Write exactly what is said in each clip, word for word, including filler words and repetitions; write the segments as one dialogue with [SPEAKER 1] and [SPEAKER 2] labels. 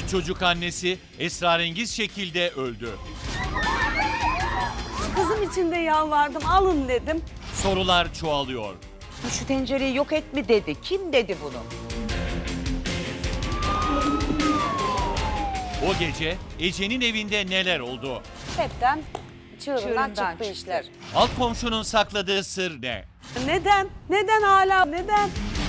[SPEAKER 1] Üç çocuk annesi esrarengiz şekilde öldü.
[SPEAKER 2] Kızım için de yalvardım, alın dedim.
[SPEAKER 1] Sorular çoğalıyor.
[SPEAKER 3] Şu tencereyi yok et mi dedi? Kim dedi bunu?
[SPEAKER 1] O gece Ece'nin evinde neler oldu?
[SPEAKER 2] Hepten çığırından,
[SPEAKER 3] Çığırından
[SPEAKER 2] çıktı
[SPEAKER 3] çıktı.
[SPEAKER 2] işler.
[SPEAKER 1] Alt komşunun sakladığı sır ne?
[SPEAKER 2] Neden? Neden hala? Neden?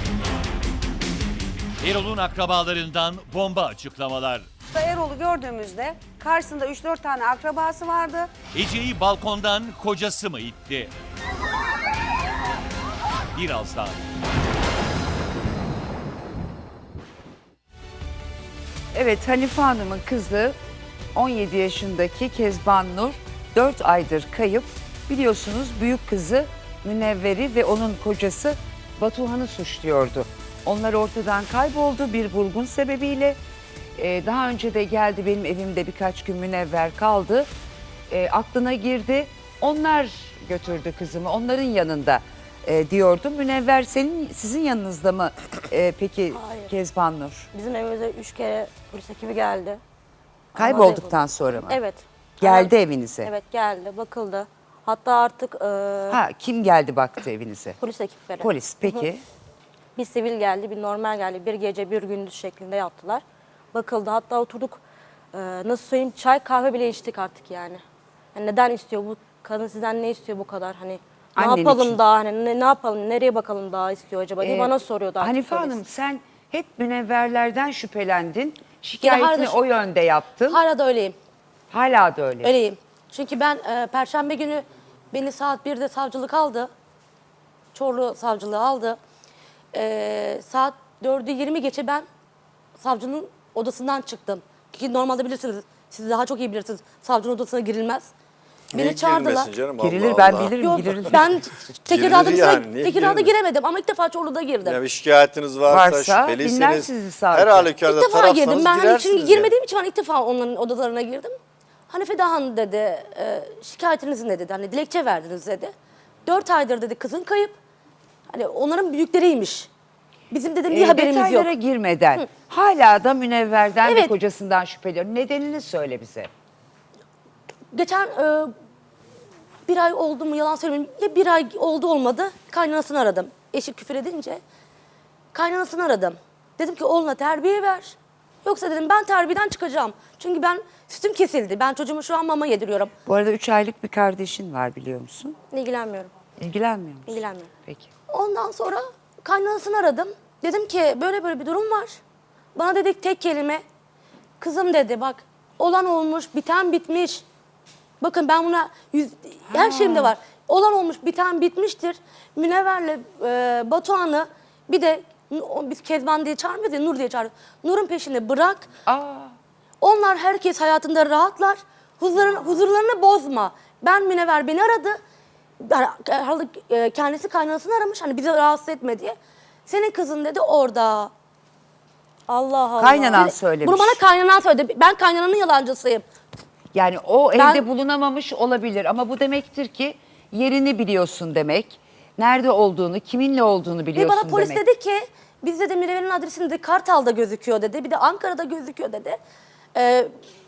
[SPEAKER 1] Erol'un akrabalarından bomba açıklamalar.
[SPEAKER 2] Erol'u gördüğümüzde karşısında üç dört tane akrabası vardı.
[SPEAKER 1] Ece'yi balkondan kocası mı itti? Birazdan.
[SPEAKER 3] Evet, Hanife Hanım'ın kızı on yedi yaşındaki Kezban Nur dört aydır kayıp. Biliyorsunuz büyük kızı Münevver'i ve onun kocası Batuhan'ı suçluyordu. Onlar ortadan kayboldu bir vurgun sebebiyle. Ee, daha önce de geldi benim evimde birkaç gün Münevver kaldı. Ee, aklına girdi. Onlar götürdü kızımı, onların yanında e, diyordu. Münevver senin sizin yanınızda mı e, peki
[SPEAKER 4] Hayır.
[SPEAKER 3] Kezban Nur?
[SPEAKER 4] Bizim evimize üç kere polis ekibi geldi.
[SPEAKER 3] Kaybolduktan sonra mı?
[SPEAKER 4] Evet.
[SPEAKER 3] Geldi
[SPEAKER 4] Hemen-
[SPEAKER 3] evinize.
[SPEAKER 4] Evet geldi, bakıldı. Hatta artık e,
[SPEAKER 3] Ha, kim geldi baktı evinize?
[SPEAKER 4] polis ekipleri.
[SPEAKER 3] Polis. Peki.
[SPEAKER 4] Bir sivil geldi, bir normal geldi. Bir gece, bir gündüz şeklinde yaptılar. Bakıldı. Hatta oturduk, e, nasıl söyleyeyim, çay kahve bile içtik artık yani. Yani neden istiyor bu kadın, sizden ne istiyor bu kadar, hani ne
[SPEAKER 3] Annen
[SPEAKER 4] yapalım
[SPEAKER 3] için.
[SPEAKER 4] daha, hani ne, ne yapalım, nereye bakalım daha istiyor acaba diye
[SPEAKER 3] Ee,
[SPEAKER 4] bana soruyordu artık
[SPEAKER 3] Hanife
[SPEAKER 4] polis.
[SPEAKER 3] Hanım sen hep münevverlerden şüphelendin. Şikayetini
[SPEAKER 4] hala da-
[SPEAKER 3] o yönde yaptın.
[SPEAKER 4] Hala da öyleyim.
[SPEAKER 3] Hala da öyle.
[SPEAKER 4] Öyleyim. Çünkü ben e, Perşembe günü beni saat birde savcılık aldı. Çorlu savcılığı aldı. E, saat dördü yirmi geçe ben savcının odasından çıktım. Ki normalde bilirsiniz, siz daha çok iyi bilirsiniz. Savcının odasına girilmez.
[SPEAKER 5] Niye
[SPEAKER 4] Beni çağırdılar.
[SPEAKER 5] girmesin canım?
[SPEAKER 3] Girilir
[SPEAKER 5] Allah
[SPEAKER 3] ben
[SPEAKER 5] Allah.
[SPEAKER 3] bilirim
[SPEAKER 4] Yok,
[SPEAKER 3] girilir.
[SPEAKER 4] ben Tekirdağ'da,
[SPEAKER 5] Girilir yani, niye
[SPEAKER 4] Tekirdağ'da
[SPEAKER 5] girilir?
[SPEAKER 4] giremedim ama ilk defa Çorlu'da girdim.
[SPEAKER 5] Ya bir şikayetiniz varsa,
[SPEAKER 3] Varsa dinler
[SPEAKER 5] şüpheliyseniz
[SPEAKER 3] sizi savcı.
[SPEAKER 5] her halükarda
[SPEAKER 4] İlk defa
[SPEAKER 5] tarafsanız
[SPEAKER 4] girdim. Ben hani
[SPEAKER 5] girersiniz
[SPEAKER 4] çünkü
[SPEAKER 5] ya.
[SPEAKER 4] girmediğim için ben ilk defa onların odalarına girdim. Hanife Dahan dedi, e, şikayetiniz ne dedi, hani dilekçe verdiniz dedi. Dört aydır dedi kızın kayıp. Hani onların büyükleriymiş. Bizim dedim bir
[SPEAKER 3] Ee,
[SPEAKER 4] haberimiz yok.
[SPEAKER 3] detaylara girmeden hala da münevverden ve
[SPEAKER 4] Evet.
[SPEAKER 3] kocasından şüpheliyor. Nedenini söyle bize.
[SPEAKER 4] Geçen e, bir ay oldu mu yalan söylemeyeyim. Ya bir ay oldu olmadı kaynanasını aradım. Eşi küfür edince kaynanasını aradım. Dedim ki oğluna terbiye ver. Yoksa dedim ben terbiyeden çıkacağım. Çünkü ben sütüm kesildi. Ben çocuğumu şu an mama yediriyorum.
[SPEAKER 3] Bu arada üç aylık bir kardeşin var biliyor musun?
[SPEAKER 4] İlgilenmiyorum.
[SPEAKER 3] İlgilenmiyor musun?
[SPEAKER 4] İlgilenmiyorum.
[SPEAKER 3] Peki.
[SPEAKER 4] Ondan sonra kaynanasını aradım. Dedim ki böyle böyle bir durum var. Bana dedik tek kelime. Kızım dedi bak olan olmuş, biten bitmiş. Bakın ben buna yüz, her şeyimde var. Olan olmuş, biten bitmiştir. Münevver'le e, Batuhan'ı bir de o, biz Kezban diye çağırmıyoruz ya, Nur diye çağırıyoruz. Nur'un peşinde bırak.
[SPEAKER 3] Aa,
[SPEAKER 4] Onlar herkes hayatında rahatlar. Huzurlarını, huzurlarını bozma. Ben Münevver beni aradı. Yani, e, kendisi kaynanasını aramış hani bizi rahatsız etme diye. Senin kızın dedi orada. Allah Allah.
[SPEAKER 3] Kaynanan
[SPEAKER 4] Dedi,
[SPEAKER 3] söylemiş.
[SPEAKER 4] Bunu bana kaynanan söyledi. Ben kaynananın yalancısıyım.
[SPEAKER 3] yani o
[SPEAKER 4] Ben-
[SPEAKER 3] evde bulunamamış olabilir ama bu demektir ki yerini biliyorsun demek. Nerede olduğunu, kiminle olduğunu
[SPEAKER 4] Ve
[SPEAKER 3] biliyorsun
[SPEAKER 4] bana polis
[SPEAKER 3] demek.
[SPEAKER 4] dedi ki biz dedi Münevver'in adresini de Kartal'da gözüküyor dedi. Bir de Ankara'da gözüküyor dedi. Ee,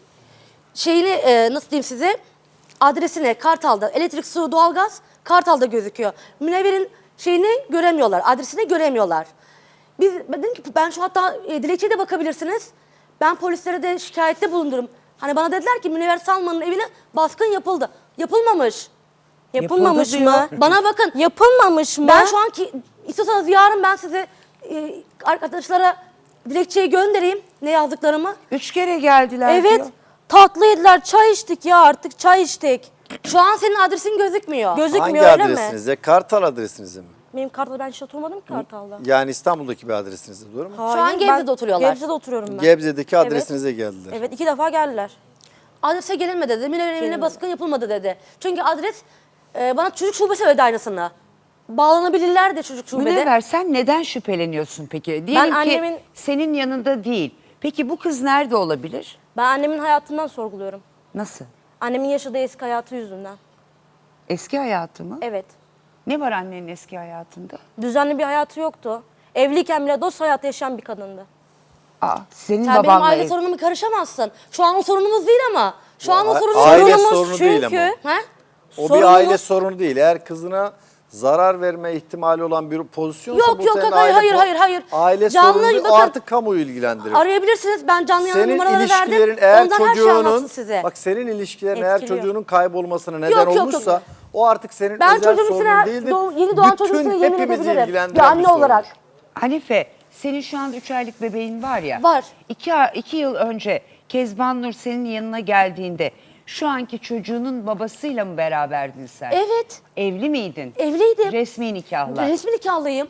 [SPEAKER 4] şeyini e, nasıl diyeyim size adresine Kartal'da elektrik, su, doğalgaz Kartal'da gözüküyor. Münevver'in şeyini göremiyorlar, adresini göremiyorlar. Biz, ben dedim ki ben şu hatta e, dilekçeye de bakabilirsiniz. Ben polislere de şikayette bulundurum. Hani bana dediler ki Münevver Salman'ın evine baskın yapıldı. Yapılmamış. Yapılmamış
[SPEAKER 3] Yapıldı
[SPEAKER 4] mı? Bana bakın.
[SPEAKER 2] Yapılmamış mı?
[SPEAKER 4] Ben şu anki istiyorsanız yarın ben size e, arkadaşlara dilekçeyi göndereyim ne yazdıklarımı.
[SPEAKER 3] Üç kere geldiler
[SPEAKER 4] Evet.
[SPEAKER 3] diyor.
[SPEAKER 4] Tatlı yediler, çay içtik ya artık çay içtik. Şu an senin adresin gözükmüyor. Gözükmüyor
[SPEAKER 5] Hangi
[SPEAKER 4] öyle mi?
[SPEAKER 5] adresinizde? Kartal adresinizde mi?
[SPEAKER 4] Benim Kartal'da ben hiç oturmadım ki Kartal'da.
[SPEAKER 5] Yani İstanbul'daki bir adresinizde, doğru mu?
[SPEAKER 4] Şu an Gebze'de oturuyorlar.
[SPEAKER 2] Gebze'de oturuyorum ben.
[SPEAKER 5] Gebze'deki adresinize geldiler.
[SPEAKER 4] Evet iki defa geldiler. Adrese gelinmedi dedi. Münevver'in evine baskın yapılmadı dedi. Çünkü adres e, bana çocuk şubesi söyledi aynısını. Bağlanabilirler de çocuk şubede.
[SPEAKER 3] Münevver sen neden şüpheleniyorsun peki? Diyelim ki
[SPEAKER 4] annemin-
[SPEAKER 3] senin yanında değil. Peki bu kız nerede olabilir?
[SPEAKER 4] Ben annemin hayatından sorguluyorum.
[SPEAKER 3] Nasıl?
[SPEAKER 4] Annemin yaşadığı eski hayatı yüzünden.
[SPEAKER 3] Eski hayatı mı?
[SPEAKER 4] Evet.
[SPEAKER 3] Ne var annenin eski hayatında?
[SPEAKER 4] Düzenli bir hayatı yoktu. Evliyken bile dost hayatı yaşayan bir kadındı.
[SPEAKER 3] Aa, senin
[SPEAKER 4] Sen benim
[SPEAKER 3] babanla
[SPEAKER 4] aile
[SPEAKER 3] ev-
[SPEAKER 4] sorunuma karışamazsın. Şu an o sorunumuz değil ama. Şu an o
[SPEAKER 5] a-
[SPEAKER 4] sorunumuz
[SPEAKER 5] aile
[SPEAKER 4] sorunumuz
[SPEAKER 5] sorunu değil ama.
[SPEAKER 4] çünkü. He?
[SPEAKER 5] O
[SPEAKER 4] Sorunumuz-
[SPEAKER 5] bir aile sorunu değil. Eğer kızına zarar verme ihtimali olan bir pozisyonsa
[SPEAKER 4] Yok,
[SPEAKER 5] bu
[SPEAKER 4] yok,
[SPEAKER 5] senin
[SPEAKER 4] yok, hayır,
[SPEAKER 5] aile
[SPEAKER 4] hayır,
[SPEAKER 5] po-
[SPEAKER 4] hayır, hayır.
[SPEAKER 5] Aile
[SPEAKER 4] Canlı
[SPEAKER 5] sorunu değil, o
[SPEAKER 4] bakın-
[SPEAKER 5] artık kamuoyu ilgilendirir.
[SPEAKER 4] Arayabilirsiniz. Ben canlı yayın
[SPEAKER 5] Senin
[SPEAKER 4] numaraları
[SPEAKER 5] ilişkilerin
[SPEAKER 4] verdim.
[SPEAKER 5] eğer
[SPEAKER 4] Ondan her şeyi anlatsın
[SPEAKER 5] çocuğunun
[SPEAKER 4] size.
[SPEAKER 5] bak senin ilişkilerin eğer
[SPEAKER 4] Etkiliyor.
[SPEAKER 5] çocuğunun kaybolmasına neden
[SPEAKER 4] Yok, yok, yok.
[SPEAKER 5] olmuşsa o artık senin
[SPEAKER 4] Ben
[SPEAKER 5] özel
[SPEAKER 4] çocuğum
[SPEAKER 5] sorunun
[SPEAKER 4] üstüne,
[SPEAKER 5] değildir.
[SPEAKER 4] doğ- yeni doğan çocuğum
[SPEAKER 5] Bütün
[SPEAKER 4] üstüne yemin
[SPEAKER 5] hepimizi
[SPEAKER 4] edebilirim.
[SPEAKER 5] ilgilendiren
[SPEAKER 4] Bir anne
[SPEAKER 5] sorundur.
[SPEAKER 4] olarak.
[SPEAKER 3] Hanife, senin şu anda üç aylık bebeğin var ya.
[SPEAKER 4] Var.
[SPEAKER 3] İki, iki yıl önce Kezban Nur senin yanına geldiğinde şu anki çocuğunun babasıyla mı beraberdin sen?
[SPEAKER 4] Evet.
[SPEAKER 3] Evli miydin?
[SPEAKER 4] Evliydim.
[SPEAKER 3] Resmi nikahla.
[SPEAKER 4] Resmi nikahlıyım.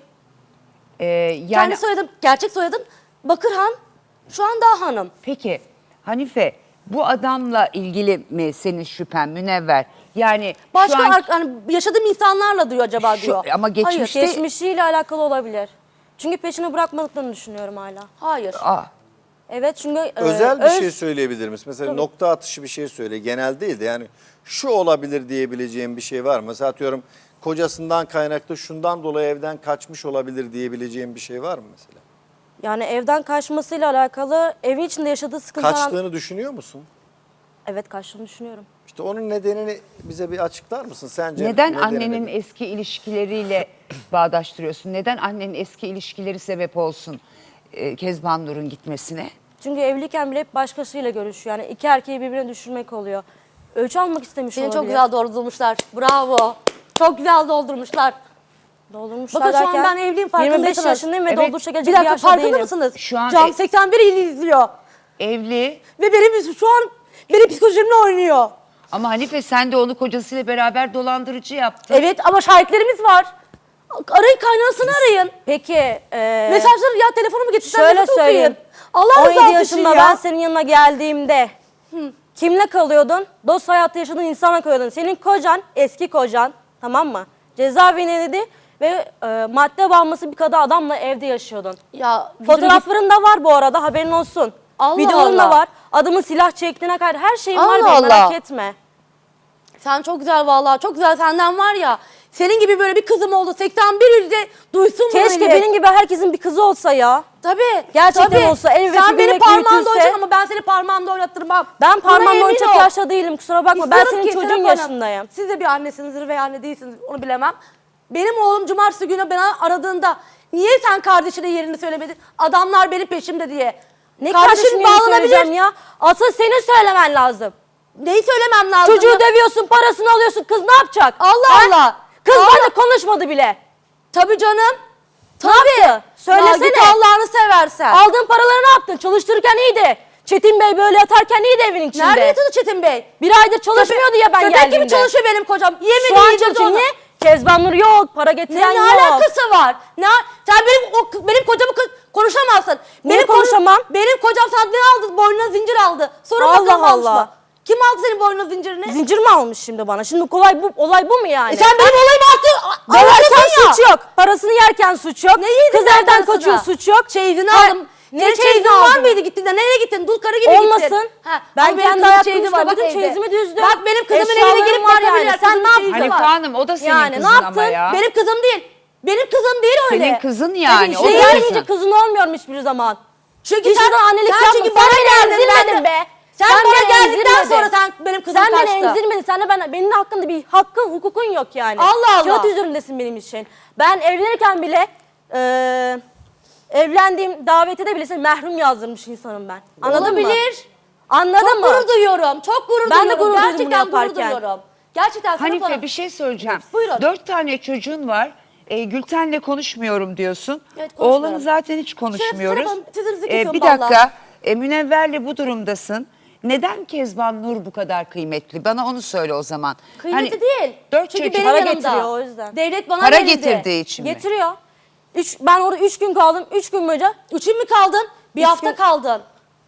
[SPEAKER 3] Ee, yani
[SPEAKER 4] Kendi soyadım, gerçek soyadım Bakırhan. Şu an daha hanım.
[SPEAKER 3] peki Hanife, bu adamla ilgili mi senin şüphen Münevver? Yani
[SPEAKER 4] Başka
[SPEAKER 3] şu an
[SPEAKER 4] ar- hani yaşadığım insanlarla diyor acaba
[SPEAKER 3] Şu-
[SPEAKER 4] diyor.
[SPEAKER 3] ama geçmişte-
[SPEAKER 4] Hayır, geçmişiyle alakalı olabilir. Çünkü peşini bırakmadıklarını düşünüyorum hala. Hayır.
[SPEAKER 3] Aa,
[SPEAKER 4] Evet çünkü e,
[SPEAKER 5] Özel bir
[SPEAKER 4] öz-
[SPEAKER 5] şey söyleyebilir misin? Mesela nokta atışı bir şey söyle. Genel değil de yani şu olabilir diyebileceğim bir şey var mı? Mesela atıyorum kocasından kaynaklı şundan dolayı evden kaçmış olabilir diyebileceğim bir şey var mı mesela?
[SPEAKER 4] Yani evden kaçmasıyla alakalı evin içinde yaşadığı sıkıntılar...
[SPEAKER 5] Kaçtığını düşünüyor musun?
[SPEAKER 4] Evet, kaçtığını düşünüyorum.
[SPEAKER 5] İşte onun nedenini bize bir açıklar mısın sence?
[SPEAKER 3] neden
[SPEAKER 5] nedeni
[SPEAKER 3] annenin
[SPEAKER 5] nedir?
[SPEAKER 3] eski ilişkileriyle bağdaştırıyorsun? Neden annenin eski ilişkileri sebep olsun e, Kezban Nur'un gitmesine?
[SPEAKER 4] Çünkü evliyken bile hep başkasıyla görüşüyor. Yani iki erkeği birbirine düşürmek oluyor. Ölçü almak istemiş
[SPEAKER 2] Seni
[SPEAKER 4] olabilir.
[SPEAKER 2] çok güzel doldurmuşlar. Bravo. Çok güzel doldurmuşlar.
[SPEAKER 4] Doldurmuşlar
[SPEAKER 2] Bakın şu an
[SPEAKER 4] derken
[SPEAKER 2] ben evliyim, farkındaymışsınız.
[SPEAKER 4] yirmi beş yaşındayım ve
[SPEAKER 3] Evet.
[SPEAKER 4] dolduruşa
[SPEAKER 2] Bir
[SPEAKER 4] gelecek bir
[SPEAKER 2] dakika,
[SPEAKER 4] yaşta
[SPEAKER 2] farkında
[SPEAKER 4] değilim.
[SPEAKER 2] mısınız?
[SPEAKER 3] Şu an
[SPEAKER 2] Cam
[SPEAKER 3] e-
[SPEAKER 2] seksen bir il izliyor.
[SPEAKER 3] Evli
[SPEAKER 2] Ve benim şu an benim psikolojimle oynuyor.
[SPEAKER 3] ama Hanife sen de onu kocasıyla beraber dolandırıcı yaptın.
[SPEAKER 2] Evet ama şahitlerimiz var. Arayın, kaynanasını arayın.
[SPEAKER 4] Peki, e,
[SPEAKER 2] Mesajları ya telefonumu getirsen
[SPEAKER 4] şöyle
[SPEAKER 2] mesaj
[SPEAKER 4] söyleyeyim.
[SPEAKER 2] okuyun. Allah
[SPEAKER 4] on
[SPEAKER 2] rızası
[SPEAKER 4] yedi
[SPEAKER 2] için
[SPEAKER 4] yaşında
[SPEAKER 2] ya.
[SPEAKER 4] ben senin yanına geldiğimde kimle kalıyordun? Dost hayatı yaşadığın insanla kalıyordun. Senin kocan, eski kocan, tamam mı? Cezaevindeydi ve e, madde bağımlısı bir kadın adamla evde yaşıyordun.
[SPEAKER 2] Ya
[SPEAKER 4] Fotoğrafların da var bu arada, haberin olsun.
[SPEAKER 2] Allah
[SPEAKER 4] Videoların da
[SPEAKER 2] Allah.
[SPEAKER 4] var. Adamın silah çektiğine kadar her şeyin var
[SPEAKER 2] Allah
[SPEAKER 4] benim, merak
[SPEAKER 2] Allah.
[SPEAKER 4] etme.
[SPEAKER 2] sen çok güzel vallahi, çok güzel, senden var ya. Senin gibi böyle bir kızım oldu. seksen bir ilde duysun bunu
[SPEAKER 4] Keşke
[SPEAKER 2] millet.
[SPEAKER 4] benim gibi herkesin bir kızı olsa ya.
[SPEAKER 2] Tabii.
[SPEAKER 4] Gerçekten
[SPEAKER 2] tabii.
[SPEAKER 4] olsa, el ve
[SPEAKER 2] Sen beni
[SPEAKER 4] büyümek
[SPEAKER 2] parmağında
[SPEAKER 4] büyütülse-
[SPEAKER 2] oynayacaksın ama ben seni parmağımda oynattırmam.
[SPEAKER 4] Ben
[SPEAKER 2] Buna
[SPEAKER 4] parmağımla
[SPEAKER 2] emin
[SPEAKER 4] oynayacak
[SPEAKER 2] ol.
[SPEAKER 4] yaşta değilim, kusura bakma. Ben
[SPEAKER 2] İstiyorum
[SPEAKER 4] senin
[SPEAKER 2] ki
[SPEAKER 4] çocuğun
[SPEAKER 2] Serap Hanım,
[SPEAKER 4] yaşındayım.
[SPEAKER 2] Siz de bir annesinizdir veya anne değilsiniz, onu bilemem. Benim oğlum cumartesi günü beni aradığında niye sen kardeşine yerini söylemedin? Adamlar benim peşimde diye.
[SPEAKER 4] Ne
[SPEAKER 2] Kardeşin
[SPEAKER 4] kardeşim bağlanabilir
[SPEAKER 2] bağlanabilir.
[SPEAKER 4] ya? Asıl senin söylemen lazım.
[SPEAKER 2] Neyi söylemem lazım?
[SPEAKER 4] Çocuğu
[SPEAKER 2] ya?
[SPEAKER 4] dövüyorsun, parasını alıyorsun. Kız ne yapacak?
[SPEAKER 2] Allah
[SPEAKER 4] Ha?
[SPEAKER 2] Allah.
[SPEAKER 4] Kız
[SPEAKER 2] Allah.
[SPEAKER 4] benimle konuşmadı bile.
[SPEAKER 2] Tabii canım.
[SPEAKER 4] Ne yaptı? Söylesene.
[SPEAKER 2] Ya git Allah'ını seversen.
[SPEAKER 4] Aldığın paraları ne yaptın? Çalıştırırken iyiydi. Çetin Bey böyle yatarken iyiydi evin içinde.
[SPEAKER 2] Nerede yatıyordu Çetin Bey?
[SPEAKER 4] Bir aydır çalışmıyordu ya ben
[SPEAKER 2] Köpek
[SPEAKER 4] geldiğimde.
[SPEAKER 2] gibi çalışıyor benim kocam. Yemin
[SPEAKER 4] Şu an
[SPEAKER 2] yedirdi
[SPEAKER 4] çalışıyor.
[SPEAKER 2] ona.
[SPEAKER 4] Niye? Kezban Nur yok, para
[SPEAKER 2] Ne,
[SPEAKER 4] getiren
[SPEAKER 2] ne
[SPEAKER 4] yok.
[SPEAKER 2] alakası var? Ne, sen benim o, benim kocamı kı- konuşamazsın.
[SPEAKER 4] Niye
[SPEAKER 2] benim kocam-
[SPEAKER 4] konuşamam?
[SPEAKER 2] Benim kocam sana ne aldı? Boynuna zincir aldı. Sonra
[SPEAKER 4] Allah
[SPEAKER 2] bakalım almış
[SPEAKER 4] Allah.
[SPEAKER 2] mı? Kim aldı senin boynuna zincirini?
[SPEAKER 4] Zincir mi almış şimdi bana? Şimdi olay bu, olay bu mu yani?
[SPEAKER 2] E sen benim olayımı artık
[SPEAKER 4] Döverken
[SPEAKER 2] anlatıyorsun ya.
[SPEAKER 4] suç yok. Parasını yerken suç yok.
[SPEAKER 2] Ne yedin
[SPEAKER 4] Kız
[SPEAKER 2] sen
[SPEAKER 4] evden
[SPEAKER 2] parasını?
[SPEAKER 4] kaçıyor, suç yok.
[SPEAKER 2] Çeyizini
[SPEAKER 4] Ha,
[SPEAKER 2] aldım.
[SPEAKER 4] ne
[SPEAKER 2] Senin
[SPEAKER 4] çeyizini
[SPEAKER 2] çeyizin var
[SPEAKER 4] aldın?
[SPEAKER 2] mıydı gittiğinde? Nereye gittin? Dul karı gibi gittin.
[SPEAKER 4] Olmasın.
[SPEAKER 2] Ha,
[SPEAKER 4] Ben
[SPEAKER 2] ama benim
[SPEAKER 4] kendi
[SPEAKER 2] kızımın
[SPEAKER 4] hayat
[SPEAKER 2] çeyizi
[SPEAKER 4] kuruluşuna
[SPEAKER 2] var,
[SPEAKER 4] bakın,
[SPEAKER 2] bak evde.
[SPEAKER 4] çeyizimi düzdüm.
[SPEAKER 2] Bak benim kızımın evine
[SPEAKER 4] Eşyalarım
[SPEAKER 2] gelip
[SPEAKER 4] var yani.
[SPEAKER 2] bakabilirler.
[SPEAKER 4] Sen
[SPEAKER 2] Kızımın
[SPEAKER 4] ne
[SPEAKER 2] çeyizi
[SPEAKER 3] Hanife
[SPEAKER 2] var.
[SPEAKER 3] Hanım o da senin
[SPEAKER 2] Yani ne
[SPEAKER 3] kızın
[SPEAKER 2] yaptın?
[SPEAKER 3] ama ya.
[SPEAKER 2] Benim kızım değil. Benim kızım değil öyle.
[SPEAKER 3] Senin kızın yani.
[SPEAKER 2] Evet,
[SPEAKER 3] o
[SPEAKER 2] şey
[SPEAKER 3] da
[SPEAKER 4] Gelmeyince
[SPEAKER 3] kızın.
[SPEAKER 4] kızın olmuyorum hiçbir zaman.
[SPEAKER 2] Çünkü
[SPEAKER 4] Hiç
[SPEAKER 2] sen,
[SPEAKER 4] yüzden annelik
[SPEAKER 2] sen
[SPEAKER 4] yapma.
[SPEAKER 2] çünkü
[SPEAKER 4] Sen
[SPEAKER 2] bana
[SPEAKER 4] beni
[SPEAKER 2] geldin
[SPEAKER 4] emzirmedin
[SPEAKER 2] ben-
[SPEAKER 4] be.
[SPEAKER 2] Sen,
[SPEAKER 4] Sen
[SPEAKER 2] bana
[SPEAKER 4] beni
[SPEAKER 2] geldikten
[SPEAKER 4] emzirmedin.
[SPEAKER 2] sonra sen benim kızım
[SPEAKER 4] Sen
[SPEAKER 2] kaçtı.
[SPEAKER 4] beni emzirmedin. Sen de ben, benim hakkında bir hakkın, hukukun yok yani.
[SPEAKER 2] Allah Allah.
[SPEAKER 4] Kağıt üzerindesin benim için. Ben evlenirken bile eee evlendiğim davete bile seni mehrum yazdırmış insanım ben. Anladın mı?
[SPEAKER 2] Olabilir.
[SPEAKER 4] Anladın
[SPEAKER 2] Çok
[SPEAKER 4] mı?
[SPEAKER 2] gurur duyuyorum. Çok gurur
[SPEAKER 4] Ben de
[SPEAKER 2] duyuyorum.
[SPEAKER 4] gurur duydum bunu
[SPEAKER 2] Gerçekten gurur
[SPEAKER 4] yaparken.
[SPEAKER 2] duyuyorum. Gerçekten Serap
[SPEAKER 3] Hanife
[SPEAKER 2] Hanım.
[SPEAKER 3] bir şey söyleyeceğim.
[SPEAKER 2] Buyurun.
[SPEAKER 3] Dört tane çocuğun var. E, Gülten'le konuşmuyorum diyorsun.
[SPEAKER 2] Evet, konuşmuyorum.
[SPEAKER 3] Oğlanı zaten hiç konuşmuyoruz.
[SPEAKER 2] Serap Hanım, sözünüzü
[SPEAKER 3] E,
[SPEAKER 2] kesiyorum
[SPEAKER 3] bir
[SPEAKER 2] vallahi.
[SPEAKER 3] dakika. E, Münevver'le bu durumdasın. Neden Kezban Nur bu kadar kıymetli? Bana onu söyle o zaman.
[SPEAKER 2] Kıymeti
[SPEAKER 3] Hani
[SPEAKER 2] değil.
[SPEAKER 3] Dört
[SPEAKER 2] Çünkü
[SPEAKER 3] çocuk
[SPEAKER 2] benim
[SPEAKER 4] para
[SPEAKER 2] yanımda.
[SPEAKER 4] getiriyor o yüzden.
[SPEAKER 2] Devlet bana
[SPEAKER 3] para
[SPEAKER 2] verildi.
[SPEAKER 3] getirdiği için mi?
[SPEAKER 4] Getiriyor. Üç, ben orada üç gün kaldım. Üç gün boyunca.
[SPEAKER 2] Üç gün mü kaldın? Bir
[SPEAKER 4] Üç
[SPEAKER 2] hafta
[SPEAKER 4] gün.
[SPEAKER 2] kaldın.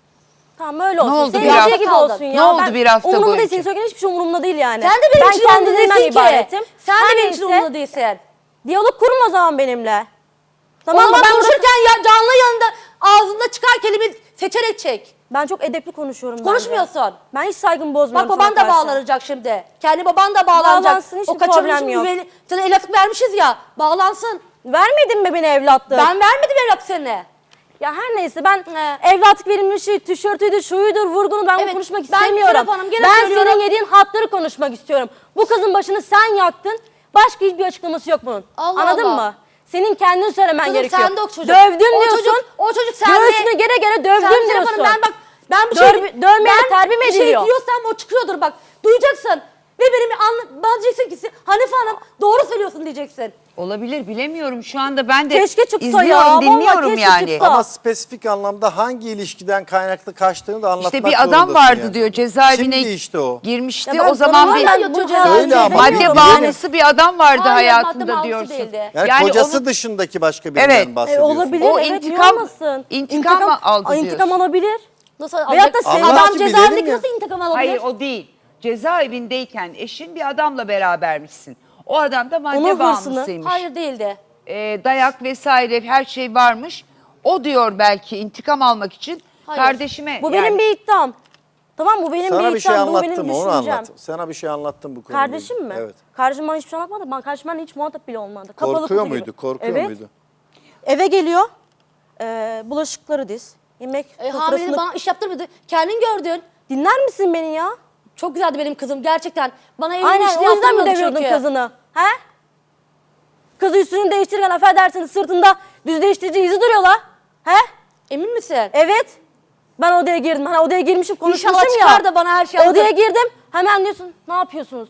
[SPEAKER 4] Tamam öyle olsun.
[SPEAKER 3] oldu
[SPEAKER 4] Senin
[SPEAKER 3] bir hafta?
[SPEAKER 4] şey gibi olsun ya.
[SPEAKER 3] Ne oldu
[SPEAKER 4] Ben-
[SPEAKER 3] bir hafta
[SPEAKER 4] umurumda
[SPEAKER 3] boyunca?
[SPEAKER 4] değil. Senin söyleyen hiçbir şey umurumda değil yani.
[SPEAKER 2] Sen de benim
[SPEAKER 4] ben
[SPEAKER 2] için umurumda
[SPEAKER 4] kendimden
[SPEAKER 2] değilsin ki.
[SPEAKER 4] ibaretim.
[SPEAKER 2] Sen de
[SPEAKER 4] Her
[SPEAKER 2] benim için
[SPEAKER 4] neyse,
[SPEAKER 2] umurumda değilsin.
[SPEAKER 4] Diyalog kurma o zaman benimle.
[SPEAKER 2] Tamam
[SPEAKER 4] Tamam
[SPEAKER 2] ama
[SPEAKER 4] mı?
[SPEAKER 2] ben
[SPEAKER 4] Ben, burada-
[SPEAKER 2] konuşurken ya canlı yanında ağzında çıkan kelime seçerek çek.
[SPEAKER 4] ben çok edepli konuşuyorum. bence.
[SPEAKER 2] Konuşmuyorsun.
[SPEAKER 4] Ben hiç saygımı bozmuyorum.
[SPEAKER 2] Bak baban
[SPEAKER 4] sana
[SPEAKER 2] da
[SPEAKER 4] karşı.
[SPEAKER 2] bağlanacak şimdi. Kendi baban da bağlanacak.
[SPEAKER 4] Bağlansın, hiçbir
[SPEAKER 2] o kaçırmış
[SPEAKER 4] problem yok.
[SPEAKER 2] güveni. Sana el atıp vermişiz ya. Bağlansın.
[SPEAKER 4] Vermedin mi beni evlatlık?
[SPEAKER 2] Ben vermedim evlat seni.
[SPEAKER 4] Ya her neyse ben evlatlık verilmişi, tişörtüydü, şuyudur, vurgunu ben
[SPEAKER 2] Evet,
[SPEAKER 4] bunu konuşmak
[SPEAKER 2] ben
[SPEAKER 4] istemiyorum.
[SPEAKER 2] Serap Hanım gene
[SPEAKER 4] ben
[SPEAKER 2] söylüyorum.
[SPEAKER 4] senin yediğin hatları konuşmak istiyorum. Bu kızın başını sen yaktın. Başka hiçbir açıklaması yok bunun.
[SPEAKER 2] Allah
[SPEAKER 4] Anladın
[SPEAKER 2] Allah.
[SPEAKER 4] mı? Senin kendin söylemen
[SPEAKER 2] Kızım
[SPEAKER 4] gerekiyor.
[SPEAKER 2] sende o çocuk.
[SPEAKER 4] Dövdüm
[SPEAKER 2] O
[SPEAKER 4] diyorsun.
[SPEAKER 2] çocuk- o çocuk sende.
[SPEAKER 4] Göğsüne gere gere dövdüm
[SPEAKER 2] Sen Serap
[SPEAKER 4] diyorsun.
[SPEAKER 2] Hanım, ben bak ben bir
[SPEAKER 4] Döv-
[SPEAKER 2] şey
[SPEAKER 4] dövmeye
[SPEAKER 2] ben
[SPEAKER 4] terbiye mi
[SPEAKER 2] bir şey
[SPEAKER 4] ediliyor?
[SPEAKER 2] diyorsam o çıkıyordur bak. Duyacaksın. Ve benim anla, bana diyeceksin ki Hanife Hanım doğru söylüyorsun diyeceksin.
[SPEAKER 3] Olabilir, bilemiyorum. Şu anda ben de
[SPEAKER 4] Keşke çıksa
[SPEAKER 3] izliyorum,
[SPEAKER 4] ya, vallahi
[SPEAKER 3] dinliyorum
[SPEAKER 4] keşke
[SPEAKER 3] yani.
[SPEAKER 4] çıksa.
[SPEAKER 5] Ama spesifik anlamda hangi ilişkiden kaynaklı kaçtığını da anlatmak
[SPEAKER 3] İşte bir adam
[SPEAKER 5] zorundasın
[SPEAKER 3] vardı
[SPEAKER 5] yani.
[SPEAKER 3] diyor, cezaevine
[SPEAKER 5] Kimdi işte o?
[SPEAKER 3] girmişti.
[SPEAKER 4] Ya ben
[SPEAKER 3] O zaman
[SPEAKER 4] tanımam
[SPEAKER 3] bir
[SPEAKER 4] ben bu cezaevinde
[SPEAKER 5] Söyle ama,
[SPEAKER 3] madde
[SPEAKER 5] bilelim.
[SPEAKER 3] bağımlısı bir adam vardı
[SPEAKER 2] Hayır, madde
[SPEAKER 3] hayatında
[SPEAKER 2] bağımlısı
[SPEAKER 3] diyorsun.
[SPEAKER 2] değildi.
[SPEAKER 5] Yani, kocası
[SPEAKER 3] onun-
[SPEAKER 5] dışındaki başka birinden
[SPEAKER 3] Evet.
[SPEAKER 4] E,
[SPEAKER 5] bahsediyorsun.
[SPEAKER 4] olabilir.
[SPEAKER 3] O
[SPEAKER 4] evet,
[SPEAKER 3] intikam-
[SPEAKER 4] niye olmasın?
[SPEAKER 3] intikam mı aldı
[SPEAKER 4] İntikam
[SPEAKER 3] diyorsun?
[SPEAKER 4] alabilir.
[SPEAKER 2] Nasıl
[SPEAKER 4] Veyahut da
[SPEAKER 2] alacak?
[SPEAKER 4] sen
[SPEAKER 5] Allah
[SPEAKER 4] adam
[SPEAKER 5] için
[SPEAKER 4] cezaevindeki
[SPEAKER 5] bilelim ya.
[SPEAKER 4] nasıl intikam alabilir?
[SPEAKER 3] Hayır o değil. Cezaevindeyken eşin bir adamla berabermişsin. O adam da madde
[SPEAKER 4] Onun hırsını-
[SPEAKER 3] bağımlısıymış.
[SPEAKER 2] Hayır değildi.
[SPEAKER 3] Ee, dayak vesaire her şey varmış. O diyor belki intikam almak için
[SPEAKER 2] Hayır.
[SPEAKER 3] kardeşime.
[SPEAKER 4] Bu
[SPEAKER 3] yani-
[SPEAKER 4] benim bir iddiam. Tamam bu benim
[SPEAKER 5] Sana
[SPEAKER 4] bir
[SPEAKER 5] bir şey
[SPEAKER 4] iddiam, bu benim
[SPEAKER 5] anlattım onu
[SPEAKER 4] düşüncem.
[SPEAKER 5] anlat. Sana bir şey anlattım bu konuda.
[SPEAKER 4] Kardeşim mi?
[SPEAKER 5] Evet.
[SPEAKER 4] Kardeşim bana hiçbir şey anlatmadı. Ben kardeşim benimle hiç muhatap bile olmadı. Kapalı
[SPEAKER 5] Korkuyor
[SPEAKER 4] kutu
[SPEAKER 5] muydu?
[SPEAKER 4] gibi.
[SPEAKER 5] Korkuyor
[SPEAKER 4] evet.
[SPEAKER 5] muydu?
[SPEAKER 4] Eve geliyor. E, bulaşıkları diz. Yemek
[SPEAKER 2] E,
[SPEAKER 4] sofrasını-
[SPEAKER 2] hamile bana iş yaptırmadı. Kendin gördün.
[SPEAKER 4] Dinler misin beni ya?
[SPEAKER 2] Çok güzeldi benim kızım gerçekten. Bana evin
[SPEAKER 4] Aynen
[SPEAKER 2] işini
[SPEAKER 4] o yüzden mi
[SPEAKER 2] yaptırmadı
[SPEAKER 4] deviyordun
[SPEAKER 2] çünkü.
[SPEAKER 4] kızını? He? Kızı üstünü değiştirirken affedersiniz sırtında düz değiştirici izi duruyor la. He?
[SPEAKER 2] Emin misin?
[SPEAKER 4] Evet. Ben odaya girdim. Hani odaya girmişim konuşmuşum
[SPEAKER 2] İnşallah
[SPEAKER 4] ya.
[SPEAKER 2] çıkar da bana her şeyi
[SPEAKER 4] Odaya
[SPEAKER 2] anlatır.
[SPEAKER 4] girdim. Hemen diyorsun ne yapıyorsunuz?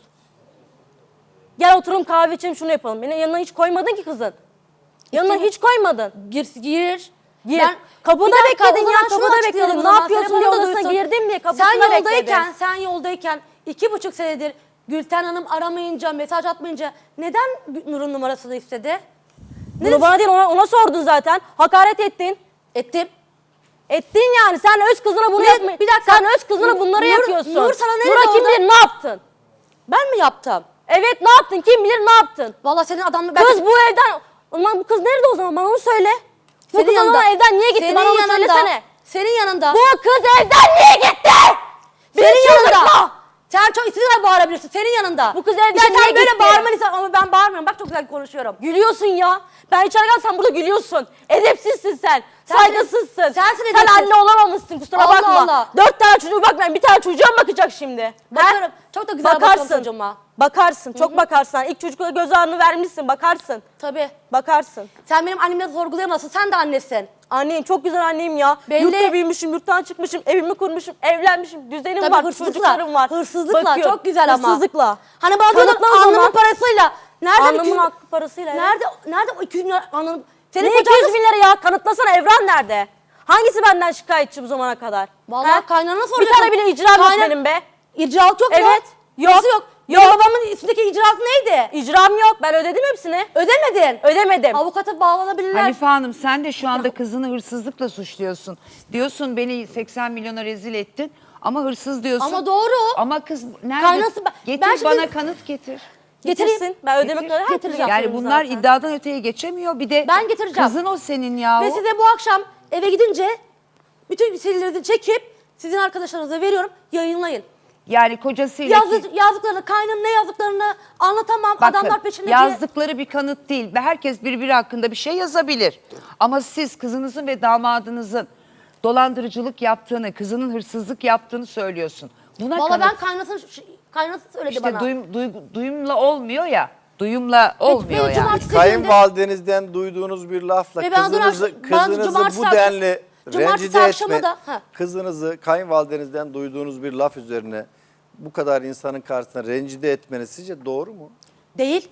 [SPEAKER 4] Gel oturalım kahve içelim şunu yapalım. Beni yanına hiç koymadın ki kızın. Yanına
[SPEAKER 2] İşte-
[SPEAKER 4] hiç koymadın.
[SPEAKER 2] Gir, gir.
[SPEAKER 4] Gir.
[SPEAKER 2] Ben-
[SPEAKER 4] Kapıda
[SPEAKER 2] Bir dakika,
[SPEAKER 4] bekledin
[SPEAKER 2] o
[SPEAKER 4] ya,
[SPEAKER 2] zaman şunu
[SPEAKER 4] kapıda
[SPEAKER 2] açıklayalım
[SPEAKER 4] bekledin.
[SPEAKER 2] o
[SPEAKER 4] Ne
[SPEAKER 2] zaman,
[SPEAKER 4] yapıyorsun
[SPEAKER 2] Serap
[SPEAKER 4] diye
[SPEAKER 2] Hanım da
[SPEAKER 4] odasına
[SPEAKER 2] duysun.
[SPEAKER 4] girdim diye kapısına
[SPEAKER 2] Sen yoldayken,
[SPEAKER 4] bekledin.
[SPEAKER 2] sen yoldayken iki buçuk senedir Gülten Hanım aramayınca, mesaj atmayınca neden Nur'un numarasını istedi?
[SPEAKER 4] Bunu bana değil ona, ona sordun zaten. Hakaret ettin.
[SPEAKER 2] Ettim.
[SPEAKER 4] Ettin yani. Sen öz kızına bunu
[SPEAKER 2] Ne-
[SPEAKER 4] yapma.
[SPEAKER 2] bir dakika.
[SPEAKER 4] Sen öz kızına bunları
[SPEAKER 2] Nur-
[SPEAKER 4] yapıyorsun.
[SPEAKER 2] Nur sana ne
[SPEAKER 4] Nur'a
[SPEAKER 2] dedi
[SPEAKER 4] kim
[SPEAKER 2] orada?
[SPEAKER 4] bilir ne yaptın?
[SPEAKER 2] Ben mi yaptım?
[SPEAKER 4] Evet ne yaptın? Kim bilir ne yaptın?
[SPEAKER 2] Vallahi senin adamla...
[SPEAKER 4] Kız bu evden... Ulan bu kız nerede o zaman? Bana onu söyle. Bu
[SPEAKER 2] Senin
[SPEAKER 4] kız o
[SPEAKER 2] yanında.
[SPEAKER 4] zaman evden niye gitti?
[SPEAKER 2] Senin
[SPEAKER 4] Bana onu
[SPEAKER 2] yanında.
[SPEAKER 4] söylesene.
[SPEAKER 2] Senin yanında.
[SPEAKER 4] Bu kız evden niye gitti?
[SPEAKER 2] senin
[SPEAKER 4] Beni
[SPEAKER 2] yanında.
[SPEAKER 4] çıldırtma.
[SPEAKER 2] Sen çok istediğin kadar bağırabilirsin. Senin yanında.
[SPEAKER 4] Bu kız evden
[SPEAKER 2] İşte
[SPEAKER 4] niye
[SPEAKER 2] sen böyle
[SPEAKER 4] gitti?
[SPEAKER 2] bağırmanı istiyorsun ama ben bağırmıyorum. Bak çok güzel konuşuyorum.
[SPEAKER 4] Gülüyorsun ya. Ben içeri gel sen burada gülüyorsun. Edepsizsin sen.
[SPEAKER 2] Sen-
[SPEAKER 4] Saygısızsın.
[SPEAKER 2] sensin
[SPEAKER 4] Sen
[SPEAKER 2] edepsiz.
[SPEAKER 4] anne olamamışsın kusura
[SPEAKER 2] Allah
[SPEAKER 4] bakma.
[SPEAKER 2] Allah.
[SPEAKER 4] Dört tane çocuğu bakmayın. Bir tane çocuğa mı bakacak şimdi?
[SPEAKER 2] Bakıyorum.
[SPEAKER 4] He?
[SPEAKER 2] Çok da güzel bakıyorum çocuğuma.
[SPEAKER 4] Bakarsın. Çok bakarsın. İlk çocuklara göz ağrını vermişsin. Bakarsın.
[SPEAKER 2] Tabii.
[SPEAKER 4] Bakarsın.
[SPEAKER 2] Sen benim annemi sorgulayamazsın. Sen de annesin.
[SPEAKER 4] Anneyim çok güzel anneyim ya.
[SPEAKER 2] Belli.
[SPEAKER 4] Yurtta büyümüşüm, yurttan çıkmışım, evimi kurmuşum, evlenmişim, düzenim
[SPEAKER 2] Tabii
[SPEAKER 4] var,
[SPEAKER 2] hırsızlıkla.
[SPEAKER 4] çocuklarım var.
[SPEAKER 2] Hırsızlıkla.
[SPEAKER 4] Bakıyorum.
[SPEAKER 2] Çok güzel ama.
[SPEAKER 4] Hırsızlıkla.
[SPEAKER 2] Hani bana diyordun
[SPEAKER 4] Kanıtla o
[SPEAKER 2] alnımın
[SPEAKER 4] zaman.
[SPEAKER 2] parasıyla. Nereden iki
[SPEAKER 4] Alnımın
[SPEAKER 2] yüz-
[SPEAKER 4] hakkı parasıyla. evet.
[SPEAKER 2] Nerede, nerede o iki yüz bin lira alnım? Senin
[SPEAKER 4] Ne
[SPEAKER 2] kocan
[SPEAKER 4] iki yüz
[SPEAKER 2] nasıl-
[SPEAKER 4] bin lira ya? Kanıtlasana Evren nerede? Hangisi benden şikayetçi bu zamana kadar?
[SPEAKER 2] Vallahi
[SPEAKER 4] He?
[SPEAKER 2] kaynana
[SPEAKER 4] Bir
[SPEAKER 2] soruyorsun.
[SPEAKER 4] tane bile icram yok
[SPEAKER 2] Kayna-
[SPEAKER 4] benim be.
[SPEAKER 2] İcraat yok mu?
[SPEAKER 4] Evet. Yok.
[SPEAKER 2] Nasıl yok?
[SPEAKER 4] Yok.
[SPEAKER 2] Benim babamın üstündeki icraat neydi?
[SPEAKER 4] İcram yok. Ben ödedim hepsini.
[SPEAKER 2] Ödemedin.
[SPEAKER 4] Ödemedim.
[SPEAKER 2] Avukata bağlanabilirler.
[SPEAKER 3] Hanife Hanım sen de şu anda kızını hırsızlıkla suçluyorsun. Diyorsun beni seksen milyona rezil ettin ama hırsız diyorsun.
[SPEAKER 2] Ama doğru.
[SPEAKER 3] Ama kız nerede?
[SPEAKER 2] Kaynası- ben-
[SPEAKER 3] getir
[SPEAKER 2] ben şimdi-
[SPEAKER 3] bana kanıt getir.
[SPEAKER 4] Getirsin. Ben ödemek
[SPEAKER 3] Getir.
[SPEAKER 4] üzere her türlü
[SPEAKER 3] Yani
[SPEAKER 4] yapıyorum
[SPEAKER 3] bunlar
[SPEAKER 4] zaten.
[SPEAKER 3] iddiadan öteye geçemiyor. Bir de
[SPEAKER 2] Ben getireceğim.
[SPEAKER 3] kızın o senin yahu.
[SPEAKER 2] Ve size bu akşam eve gidince bütün serileri çekip sizin arkadaşlarınıza veriyorum. Yayınlayın.
[SPEAKER 3] Yani kocasıyla
[SPEAKER 2] Yazı, yazdıklarını, kaynının ne yazdıklarını anlatamam.
[SPEAKER 3] Bakın,
[SPEAKER 2] Adamlar peşinde diye.
[SPEAKER 3] yazdıkları bir kanıt değil. Ve herkes birbiri hakkında bir şey yazabilir. Ama siz kızınızın ve damadınızın dolandırıcılık yaptığını, kızının hırsızlık yaptığını söylüyorsun. Buna
[SPEAKER 2] Valla
[SPEAKER 3] kanıt
[SPEAKER 2] ben kaynasını, kaynası söyledi
[SPEAKER 3] işte
[SPEAKER 2] bana.
[SPEAKER 3] duyum, duygu- duyumla olmuyor ya. Duyumla olmuyor
[SPEAKER 2] beni
[SPEAKER 3] yani.
[SPEAKER 2] cumartesi-
[SPEAKER 5] Kayınvalidenizden duyduğunuz bir lafla
[SPEAKER 2] Ve ben dün
[SPEAKER 5] kızınızı,
[SPEAKER 2] akşam- ben
[SPEAKER 5] kızınızı
[SPEAKER 2] cumartesi
[SPEAKER 5] bu
[SPEAKER 2] akşam-
[SPEAKER 5] denli
[SPEAKER 2] cumartesi
[SPEAKER 5] rencide
[SPEAKER 2] akşamı
[SPEAKER 5] etme,
[SPEAKER 2] da- ha.
[SPEAKER 5] kızınızı kayınvalidenizden duyduğunuz bir laf üzerine bu kadar insanın karşısında rencide etmeniz sizce doğru mu?
[SPEAKER 2] Değil.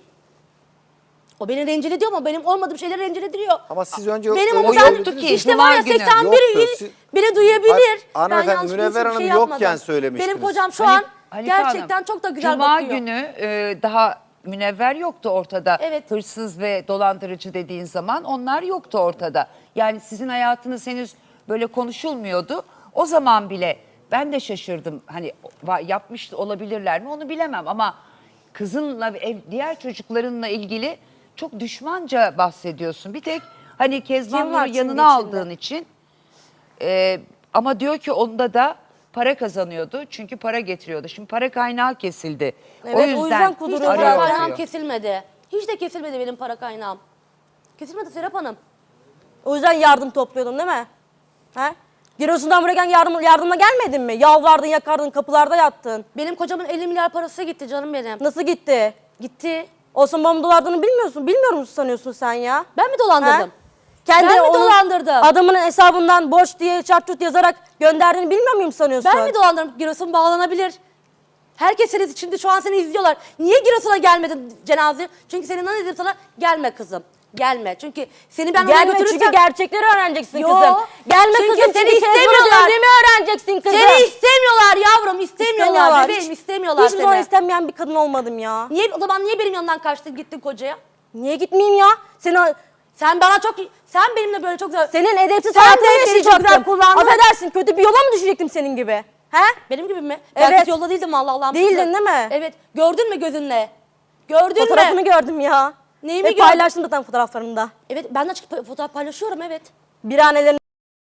[SPEAKER 2] O beni rencide ediyor ama benim olmadığım şeyleri rencide ediyor.
[SPEAKER 5] Ama siz önce
[SPEAKER 2] Benim
[SPEAKER 5] öyle
[SPEAKER 2] ama
[SPEAKER 3] o
[SPEAKER 2] ben,
[SPEAKER 5] söylediniz.
[SPEAKER 3] yoktu ki.
[SPEAKER 2] işte
[SPEAKER 3] Cuma
[SPEAKER 2] var ya
[SPEAKER 3] günü.
[SPEAKER 2] seksen
[SPEAKER 5] Yoktu.
[SPEAKER 2] bir
[SPEAKER 5] Siz-
[SPEAKER 2] biri duyabilir.
[SPEAKER 5] Hayır,
[SPEAKER 2] Ben
[SPEAKER 5] hanımefendi,
[SPEAKER 2] yanlış bir
[SPEAKER 5] Münevver
[SPEAKER 2] şey
[SPEAKER 5] Hanım
[SPEAKER 2] yapmadım.
[SPEAKER 5] yokken söylemiştiniz.
[SPEAKER 2] Benim kocam şu
[SPEAKER 3] Hani-
[SPEAKER 2] an
[SPEAKER 3] Hanife Hanım,
[SPEAKER 2] gerçekten çok da güzel
[SPEAKER 3] Cuma
[SPEAKER 2] bakıyor.
[SPEAKER 3] günü e, daha Münevver yoktu ortada.
[SPEAKER 2] Evet.
[SPEAKER 3] Hırsız ve dolandırıcı dediğin zaman onlar yoktu ortada. Yani sizin hayatınız henüz böyle konuşulmuyordu. O zaman bile ben de şaşırdım. Hani va- yapmış olabilirler mi onu bilemem ama kızınla ve ev, diğer çocuklarınla ilgili çok düşmanca bahsediyorsun. Bir tek hani Kezban
[SPEAKER 4] Kim var
[SPEAKER 3] Nur'u
[SPEAKER 4] şimdi
[SPEAKER 3] yanına
[SPEAKER 4] içinde?
[SPEAKER 3] aldığın için e, ama diyor ki onda da para kazanıyordu çünkü para getiriyordu. Şimdi para kaynağı kesildi.
[SPEAKER 4] Evet,
[SPEAKER 3] o
[SPEAKER 4] o
[SPEAKER 3] yüzden,
[SPEAKER 4] yüzden
[SPEAKER 2] Hiç
[SPEAKER 4] kuduruyor
[SPEAKER 2] de
[SPEAKER 3] arıyor
[SPEAKER 2] para
[SPEAKER 4] zaten.
[SPEAKER 2] kaynağım
[SPEAKER 3] diyor.
[SPEAKER 2] kesilmedi. Hiç de kesilmedi benim para kaynağım. Kesilmedi Serap Hanım.
[SPEAKER 4] O yüzden yardım topluyordun değil mi? He? Giresun'dan buraya gel yardım, yardımla gelmedin mi? Yalvardın, yakardın, kapılarda yattın.
[SPEAKER 2] Benim kocamın elli milyar parası gitti canım benim.
[SPEAKER 4] Nasıl gitti?
[SPEAKER 2] Gitti.
[SPEAKER 4] Osman babamın dolardığını bilmiyorsun. Bilmiyor musun sanıyorsun sen ya?
[SPEAKER 2] Ben mi dolandırdım?
[SPEAKER 4] He? Kendi
[SPEAKER 2] Ben mi
[SPEAKER 4] onun
[SPEAKER 2] dolandırdım?
[SPEAKER 4] Adamın hesabından borç diye çarçurt yazarak gönderdiğini bilmiyor muyum sanıyorsun?
[SPEAKER 2] Ben mi dolandırdım? Giresun bağlanabilir. Herkes seni, şimdi şu an seni izliyorlar. Niye Giresun'a gelmedin cenaze? Çünkü senin ne dedim sana? Gelme kızım. Gelme. Çünkü seni ben oraya
[SPEAKER 4] Gelme
[SPEAKER 2] götürürsem...
[SPEAKER 4] çünkü gerçekleri öğreneceksin
[SPEAKER 2] Yo,
[SPEAKER 4] kızım. Gelme
[SPEAKER 2] çünkü
[SPEAKER 4] kızım
[SPEAKER 2] seni
[SPEAKER 4] çünkü Kezban'ı
[SPEAKER 2] istemiyorlar.
[SPEAKER 4] dövdüğümü öğreneceksin kızım.
[SPEAKER 2] Seni istemiyorlar yavrum. İstemiyorlar. Bebeğim istemiyorlar
[SPEAKER 4] Hiçbir zaman
[SPEAKER 2] seni.
[SPEAKER 4] istemeyen bir kadın olmadım ya.
[SPEAKER 2] Niye, o zaman niye benim yanımdan kaçtın gittin kocaya?
[SPEAKER 4] Niye gitmeyeyim ya? Seni,
[SPEAKER 2] Sen bana çok... Sen benimle böyle çok güzel...
[SPEAKER 4] senin edepsiz
[SPEAKER 2] Sen
[SPEAKER 4] hayatını
[SPEAKER 2] de beni çok
[SPEAKER 4] yaşayacaktım.
[SPEAKER 2] güzel kullandın.
[SPEAKER 4] Affedersin kötü bir yola mı düşecektim senin gibi? He?
[SPEAKER 2] Benim gibi mi?
[SPEAKER 4] Evet.
[SPEAKER 2] Ben kötü yolda değildim vallahi Allah'ım.
[SPEAKER 4] Değildin
[SPEAKER 2] şükür.
[SPEAKER 4] değil mi?
[SPEAKER 2] Evet. Gördün mü gözünle? Gördün
[SPEAKER 4] Fotoğrafını
[SPEAKER 2] mü?
[SPEAKER 4] gördüm ya.
[SPEAKER 2] Neyi
[SPEAKER 4] Ve
[SPEAKER 2] mi gördün?
[SPEAKER 4] paylaştım zaten fotoğraflarımda.
[SPEAKER 2] Evet ben de açık pa- fotoğraf paylaşıyorum evet.
[SPEAKER 4] Bir annelerini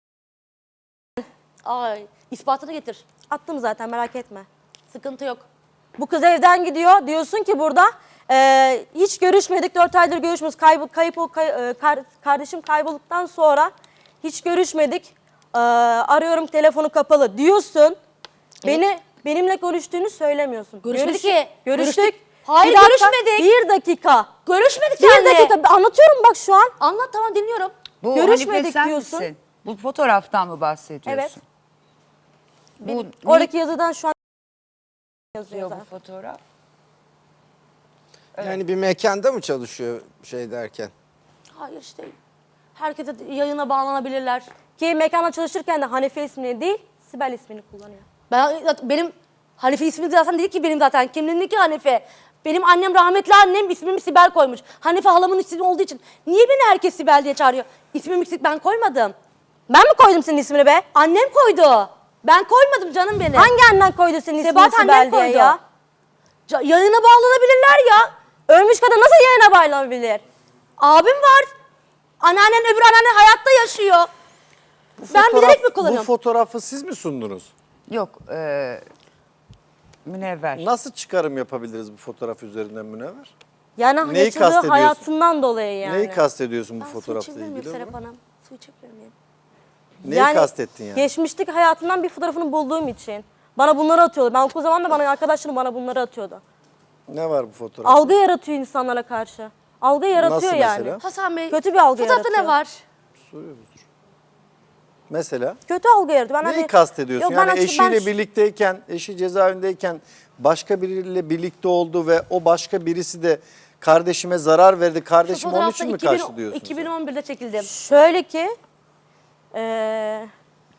[SPEAKER 2] Ay ispatını getir.
[SPEAKER 4] attım zaten merak etme.
[SPEAKER 2] Sıkıntı yok.
[SPEAKER 4] Bu kız evden gidiyor. Diyorsun ki burada e, hiç görüşmedik. Dört aydır görüşmüyoruz. Kayıp, kayıp, o kay- e, kar- kardeşim kaybolduktan sonra hiç görüşmedik. E, arıyorum telefonu kapalı diyorsun. Beni benimle görüştüğünü söylemiyorsun.
[SPEAKER 2] Görüşmedik
[SPEAKER 4] Görüş-
[SPEAKER 2] ki.
[SPEAKER 4] Görüştük.
[SPEAKER 2] Görüştük. Hayır,
[SPEAKER 4] Bir dakika,
[SPEAKER 2] görüşmedik.
[SPEAKER 4] Bir dakika.
[SPEAKER 2] Görüşmedik
[SPEAKER 4] Bir
[SPEAKER 2] seninle.
[SPEAKER 4] dakika. Anlatıyorum bak şu an.
[SPEAKER 2] Anlat tamam dinliyorum.
[SPEAKER 3] Bu
[SPEAKER 4] Görüşmedik
[SPEAKER 3] Hanife sen
[SPEAKER 4] diyorsun.
[SPEAKER 3] misin? Bu fotoğraftan mı bahsediyorsun?
[SPEAKER 4] Evet.
[SPEAKER 3] Bu,
[SPEAKER 4] Oradaki yazıdan şu an yazıyor
[SPEAKER 3] yazıyor
[SPEAKER 4] zaten.
[SPEAKER 3] bu fotoğraf.
[SPEAKER 6] Yani bir mekanda mı çalışıyor şey derken?
[SPEAKER 2] Hayır işte. Herkese yayına bağlanabilirler.
[SPEAKER 4] Ki mekanda çalışırken de Hanife ismini değil, Sibel ismini kullanıyor.
[SPEAKER 2] Ben benim Hanife ismi zaten değil ki benim zaten. Kimliğindeki Hanife. Benim annem rahmetli annem ismimi Sibel koymuş. Hanife halamın ismi olduğu için. Niye beni herkes Sibel diye çağırıyor? İsmimi ben koymadım.
[SPEAKER 4] Ben mi koydum senin ismini be?
[SPEAKER 2] Annem koydu. Ben koymadım canım benim.
[SPEAKER 4] Hangi annen koydu senin ismini
[SPEAKER 2] Sebat
[SPEAKER 4] Sibel
[SPEAKER 2] annem
[SPEAKER 4] diye
[SPEAKER 2] koydu.
[SPEAKER 4] ya?
[SPEAKER 2] Ca- Yayına bağlanabilirler ya.
[SPEAKER 4] Ölmüş kadın nasıl yayına bağlanabilir?
[SPEAKER 2] Abim var. Anneannen öbür anneannen hayatta yaşıyor. Ben
[SPEAKER 5] Fotoğraf-
[SPEAKER 2] bilerek mi
[SPEAKER 5] Bu
[SPEAKER 2] kullanıyorum?
[SPEAKER 5] fotoğrafı siz mi sundunuz?
[SPEAKER 3] Yok, e, Münevver.
[SPEAKER 5] Nasıl çıkarım yapabiliriz bu fotoğraf üzerinden Münevver?
[SPEAKER 4] Yani
[SPEAKER 5] Neyi
[SPEAKER 4] yaşadığı
[SPEAKER 5] kastediyorsun?
[SPEAKER 4] hayatından dolayı yani.
[SPEAKER 5] Neyi kastediyorsun bu
[SPEAKER 2] Ben su
[SPEAKER 5] fotoğrafla
[SPEAKER 2] içebilir miyim
[SPEAKER 5] ilgili?
[SPEAKER 2] Serap Hanım? Su içebilir miyim?
[SPEAKER 5] Neyi
[SPEAKER 4] Yani
[SPEAKER 5] kastettin yani?
[SPEAKER 4] Geçmişteki hayatından bir fotoğrafını bulduğum için. Bana bunları atıyordu. Ben okul zamanında bana arkadaşlarım bana bunları atıyordu.
[SPEAKER 5] Ne var bu fotoğrafta?
[SPEAKER 4] Algı yaratıyor insanlara karşı. Algı yaratıyor
[SPEAKER 5] Nasıl
[SPEAKER 4] yani.
[SPEAKER 5] mesela?
[SPEAKER 2] Hasan Bey.
[SPEAKER 4] Kötü bir algı
[SPEAKER 2] Fotoğrafta
[SPEAKER 4] yaratıyor.
[SPEAKER 2] ne var?
[SPEAKER 5] Mesela?
[SPEAKER 4] Kötü algı yaratıyor. Ben
[SPEAKER 5] Neyi
[SPEAKER 4] hani-
[SPEAKER 5] kastediyorsun?
[SPEAKER 4] Yok, ben
[SPEAKER 5] Yani
[SPEAKER 4] açık-
[SPEAKER 5] eşiyle
[SPEAKER 4] ben-
[SPEAKER 5] birlikteyken, eşi cezaevindeyken başka biriyle birlikte oldu ve o başka birisi de kardeşime zarar verdi.
[SPEAKER 2] Şu
[SPEAKER 5] Kardeşim onun
[SPEAKER 2] fotoğrafta
[SPEAKER 5] için mi
[SPEAKER 2] iki bin
[SPEAKER 5] kaçtı diyorsun?
[SPEAKER 2] iki bin on birde çekildim.
[SPEAKER 4] Şöyle ki eee,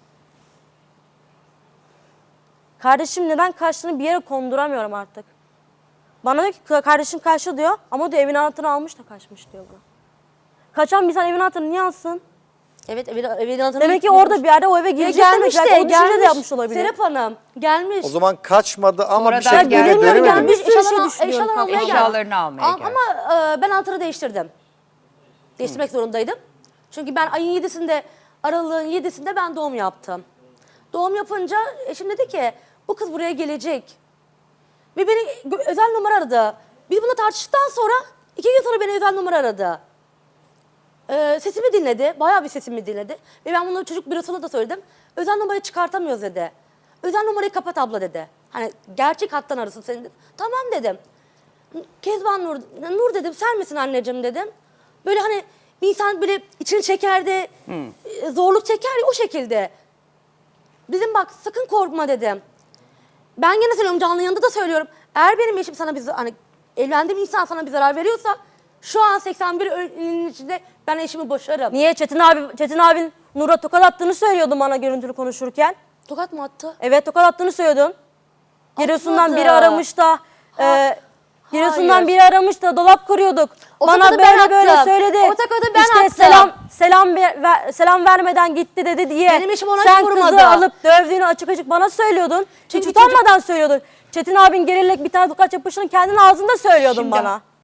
[SPEAKER 4] kardeşim neden kaçtığını bir yere konduramıyorum artık. Bana diyor ki kardeşim kaçtı diyor ama diyor evin anahtarını almış da kaçmış diyor bu. Kaçan bir insan evin anahtarını niye alsın?
[SPEAKER 2] Evet evin, evin anahtarını
[SPEAKER 4] Demek ki
[SPEAKER 2] unutmuş.
[SPEAKER 4] orada bir yerde o eve
[SPEAKER 2] Ya
[SPEAKER 4] girecek
[SPEAKER 2] gelmiş
[SPEAKER 4] demek.
[SPEAKER 2] de
[SPEAKER 4] Belki o düşünce
[SPEAKER 2] gelmiş.
[SPEAKER 4] de yapmış olabilir.
[SPEAKER 2] Serap Hanım gelmiş.
[SPEAKER 5] O zaman kaçmadı ama
[SPEAKER 3] Sonradan
[SPEAKER 5] bir şekilde
[SPEAKER 3] geldi.
[SPEAKER 5] eve
[SPEAKER 4] Bilemiyorum,
[SPEAKER 5] dönemedi mi?
[SPEAKER 4] gelmiş. Bir sürü şey
[SPEAKER 2] Eşyalarını-
[SPEAKER 4] düşünüyorum
[SPEAKER 2] eşyalarını almaya geldi.
[SPEAKER 3] Eşyalarını almaya
[SPEAKER 2] Am-
[SPEAKER 3] geldi.
[SPEAKER 2] Ama e, ben anahtarı değiştirdim. Değiştirmek zorundaydım. Çünkü ben ayın yedisinde, aralığın yedisinde ben doğum yaptım. Doğum yapınca eşim dedi ki bu kız buraya gelecek. Ve beni gö- özel numara aradı. Biz bununla tartıştıktan sonra iki gün sonra beni özel numara aradı. Ee, sesimi dinledi. Bayağı bir sesimi dinledi. Ve ben bunu çocuk bürosuna da söyledim. Özel numarayı çıkartamıyoruz dedi. Özel numarayı kapat abla dedi. Hani gerçek hattan arasın seni dedi. Tamam dedim. Kezban Nur, Nur dedim sen misin anneciğim dedim. Böyle hani bir insan böyle içini çekerdi, e, zorluk çeker ya o şekilde. Dedim bak sakın korkma dedim. Ben gene söylüyorum canlı yanında da söylüyorum. Eğer benim eşim sana bir hani evlendiğim insan sana bir zarar veriyorsa şu an seksen bir ölünün içinde ben eşimi boşarım.
[SPEAKER 4] Niye Çetin abi Çetin abin Nur'a tokat attığını söylüyordun bana görüntülü konuşurken.
[SPEAKER 2] Tokat mı attı?
[SPEAKER 4] Evet tokat attığını söylüyordun. Giresun'dan
[SPEAKER 2] Atmadı.
[SPEAKER 4] biri aramış da e, Giresun'dan
[SPEAKER 2] hayır.
[SPEAKER 4] biri aramış da dolap kuruyorduk.
[SPEAKER 2] O
[SPEAKER 4] Bana
[SPEAKER 2] tokadı ben
[SPEAKER 4] böyle böyle
[SPEAKER 2] attım.
[SPEAKER 4] söyledi.
[SPEAKER 2] O tokadı ben
[SPEAKER 4] işte
[SPEAKER 2] attım.
[SPEAKER 4] selam selam ver- ver- selam vermeden gitti dedi diye.
[SPEAKER 2] Benim eşim ona
[SPEAKER 4] Sen
[SPEAKER 2] hiç vurmadı.
[SPEAKER 4] kızı alıp dövdüğünü açık açık bana söylüyordun.
[SPEAKER 2] Çünkü
[SPEAKER 4] Hiç utanmadan söylüyordun. Çetin abin gelerek bir tane tokat yapışını kendin ağzında söylüyordun
[SPEAKER 2] Şimdi
[SPEAKER 4] bana.